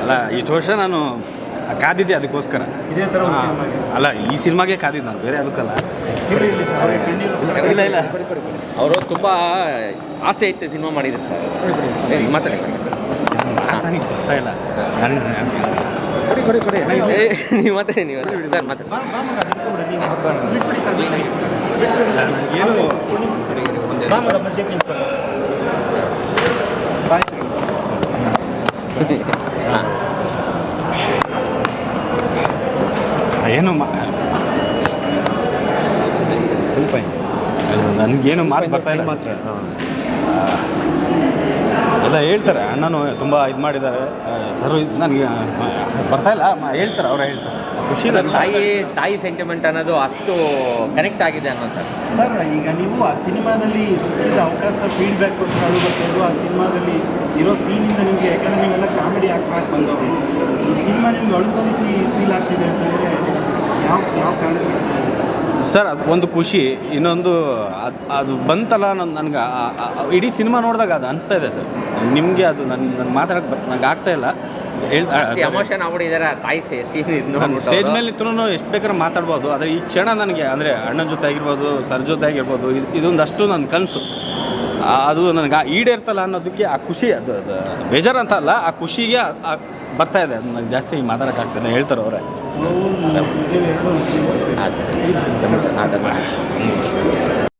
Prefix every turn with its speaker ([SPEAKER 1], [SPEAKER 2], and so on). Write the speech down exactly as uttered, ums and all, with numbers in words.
[SPEAKER 1] ಅಲ್ಲ ಇಷ್ಟು ವರ್ಷ ನಾನು ಕಾದಿದ್ದೆ ಅದಕ್ಕೋಸ್ಕರ.
[SPEAKER 2] ಇದೇ ಥರ
[SPEAKER 1] ಅಲ್ಲ ಈ ಸಿನಿಮಾಗೆ ಕಾದಿದ್ದು ನಾನು, ಬೇರೆ ಅದಕ್ಕಲ್ಲ. ಇಲ್ಲ ಇಲ್ಲ
[SPEAKER 3] ಅವರು ತುಂಬ ಆಸೆ ಇಟ್ಟು ಸಿನಿಮಾ ಮಾಡಿದ್ರು ಸರ್. ಮಾತಾಡಿ
[SPEAKER 1] ನನಗೆ ಬರ್ತಾ ಇಲ್ಲ. ನಾನು
[SPEAKER 2] ಕೊಡಿ ಕೊಡಿ ಕೊಡಿ
[SPEAKER 3] ನೀವು ಮಾತಾಡಿ ನೀವು ಸರ್ ಮಾತಾಡಿ.
[SPEAKER 1] ಏನು ಏನು
[SPEAKER 2] ಸ್ವಲ್ಪ
[SPEAKER 1] ನನಗೇನು ಮಾತು ಬರ್ತಾ ಇಲ್ಲ ಮಾತ್ರ. ಎಲ್ಲ ಹೇಳ್ತಾರೆ, ಅಣ್ಣನು ತುಂಬ ಇದು ಮಾಡಿದ್ದಾರೆ ಸರ್, ಇದು ನನಗೆ ಬರ್ತಾ ಇಲ್ಲ. ಹೇಳ್ತಾರೆ, ಅವರೇ ಹೇಳ್ತಾರೆ. ಖುಷಿ
[SPEAKER 3] ತಾಯಿ ತಾಯಿ ಸೆಂಟಿಮೆಂಟ್ ಅನ್ನೋದು ಅಷ್ಟು ಕನೆಕ್ಟ್ ಆಗಿದೆ ಅನ್ನೋ ಸರ್.
[SPEAKER 2] ಸರ್ ಈಗ ನೀವು ಆ ಸಿನಿಮಾದಲ್ಲಿ ಸಿಕ್ಕಿದ ಅವಕಾಶ ಫೀಡ್ಬ್ಯಾಕ್ಗೋಸ್ಕರ ಅದು ಬರ್ತಾಯಿದ್ದು, ಆ ಸಿನಿಮಾದಲ್ಲಿ ಇರೋ ಸೀನಿಂದ ನಿಮಗೆ, ಯಾಕಂದರೆ ನೀವೆಲ್ಲ ಕಾಮಿಡಿ ಆ್ಯಕ್ಟ್ ಮಾಡಿ ಬಂದವರು, ಈ ಸಿನಿಮಾ ನಿಮ್ಗೆ ಅಳಿಸೋ ರೀತಿ ಫೀಲ್ ಆಗ್ತಿದೆ ಅಂತಂದರೆ ಯಾವ ಯಾವ ಕಾರಣಕ್ಕೆ
[SPEAKER 1] ಸರ್? ಅದು ಒಂದು ಖುಷಿ, ಇನ್ನೊಂದು ಅದು ಅದು ಬಂತಲ್ಲ ನನ್ನ ನನಗೆ ಇಡೀ ಸಿನಿಮಾ ನೋಡಿದಾಗ ಅದು ಅನಿಸ್ತಾ ಇದೆ ಸರ್. ನಿಮಗೆ ಅದು ನನ್ನ ನನ್ನ ಮಾತಾಡೋಕ್ಕೆ ಬರ್ ನನಗೆ ಆಗ್ತಾ ಇಲ್ಲ.
[SPEAKER 3] ಎಮೋಷನ್ ಆಗ್ಬಿಟ್ಟಿದ್ದಾರೆ ತಾಯಿ ಸೀನ್.
[SPEAKER 1] ಸ್ಟೇಜ್ ಮೇಲೆ ನಿಂತರೂ ಎಷ್ಟು ಬೇಕಾದ್ರೆ ಮಾತಾಡ್ಬೋದು, ಆದರೆ ಈ ಕ್ಷಣ ನನಗೆ ಅಂದರೆ ಅಣ್ಣನ ಜೊತೆ ಆಗಿರ್ಬೋದು, ಸರ್ ಜೊತೆ ಆಗಿರ್ಬೋದು, ಇದು ಇದೊಂದಷ್ಟು ನನ್ನ ಕನಸು. ಅದು ನನಗೆ ಈಡೇರ್ತಲ್ಲ ಅನ್ನೋದಕ್ಕೆ ಆ ಖುಷಿ, ಅದು ಅದು ಬೇಜಾರಂತ ಅಲ್ಲ, ಆ ಖುಷಿಗೆ ಬರ್ತಾ ಇದೆ. ಅದು ನನಗೆ ಜಾಸ್ತಿ ಮಾತಾಡೋಕ್ಕಾಗ್ತದೆ, ಹೇಳ್ತಾರೆ ಅವರೇ.